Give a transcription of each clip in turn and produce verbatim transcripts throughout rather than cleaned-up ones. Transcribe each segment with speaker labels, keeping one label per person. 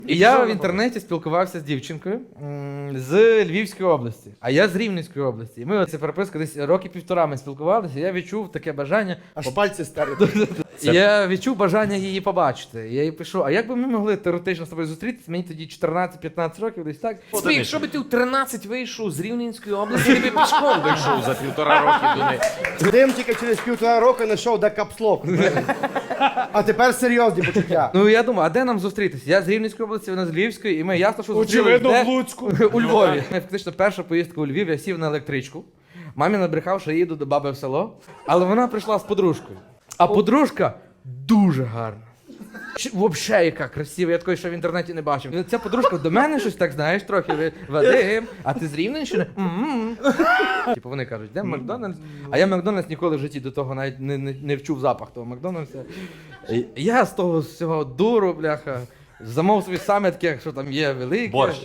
Speaker 1: І я в інтернеті спілкувався з дівчинкою м, з Львівської області, а я з Рівненської області. І ми оце переписка десь роки півтора ми спілкувалися, і я відчув таке бажання.
Speaker 2: Аж пальці старі.
Speaker 1: І я відчув бажання її побачити. Я їй пишу, а як би ми могли теоретично з тобою зустрітися? Мені тоді чотирнадцять-п'ятнадцять років, десь так.
Speaker 3: Смій, якщо би ти в тринадцять вийшов з Рівненської області, ти би пішком вийшов за півтора роки до неї.
Speaker 2: Дим тільки через півтора року знайшов де капслок. А тепер серйозні почуття.
Speaker 1: Ну я думаю, а де нам зустрітися? Я з Рівненської області, вона з Львівської, і ми ясно, що зустрілися.
Speaker 3: Очевидно,
Speaker 1: де?
Speaker 3: в Луцьку.
Speaker 1: У Львові. Фактично перша поїздка у Львів, я сів на електричку. Мамі набрехав, що я їду до баби в село, але вона прийшла з подружкою. А подружка дуже гарна. Взагалі, яка красива, я такої ще в інтернеті не бачив. Ця подружка до мене щось так, знаєш, трохи Вадим, а ти з Рівненщини? М-м. Типу вони кажуть, де Макдональдс? А я Макдональдс ніколи в житті до того навіть не, не, не вчув запах того Макдональдса. І я з того всього дуру, бляха, замов собі саме таке, що там є велике.
Speaker 3: Борщ.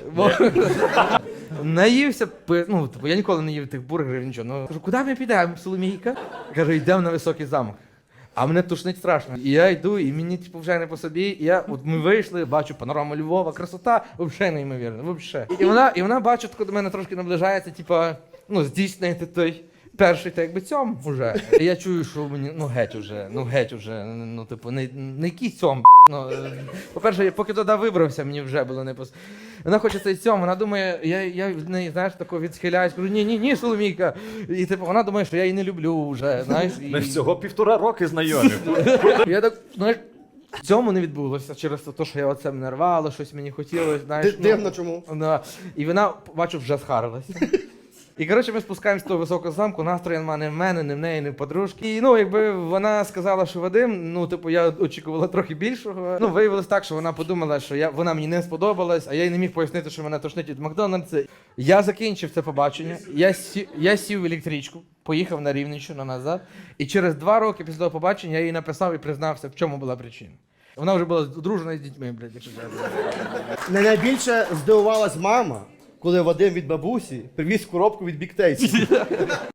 Speaker 1: Наївся, пи- ну, типу, я ніколи не їв тих бургерів, нічого. Ну, кажу, куди ми підемо, Соломійка? Кажу, йдемо на високий замок. А мене тушнить страшно. І я йду, і мені типу, вже не по собі. І я, от ми вийшли, бачу панораму Львова, красота, взагалі неймовірно, взагалі. І вона, і вона бачу, тако до мене трошки наближається, типу, ну, здійснити той перший, так якби цьом уже. І я чую, що мені, ну геть уже, ну геть уже, ну, типу, не, не якийсь цьом, ну, е, по-перше, я поки туди вибрався, мені вже було не пос... Вона хоче цей цьом, вона думає, я, я від неї, знаєш, тако відсхиляюсь, кажу, ні, ні, ні, Соломійка. І типу, вона думає, що я її не люблю вже, знаєш. І...
Speaker 3: Ми всього півтора роки знайомі.
Speaker 1: Я так, знаєш, в цьому не відбулося через те, що я оце мене рвало, щось мені хотілося, знаєш.
Speaker 2: Ди- Дивно чому.
Speaker 1: Да. І вона, бачу, вже схарилася. І, коротше, ми спускаємося з того високого замку, настрою нема не в мене, не в неї, не в подружки. І, ну, якби вона сказала, що Вадим, ну, типу, я очікувала трохи більшого. Ну, виявилось так, що вона подумала, що я, вона мені не сподобалась, а я їй не міг пояснити, що мене тошнить від Макдональдса. Я закінчив це побачення, я, сі, я сів в електричку, поїхав на Рівненщину назад, і через два роки після того побачення я їй написав і признався, в чому була причина. Вона вже була одружена з дітьми, блядь, якщо чесно.
Speaker 2: Не найбільше здивувалась мама, коли Вадим від бабусі привіз коробку від Big Tasty.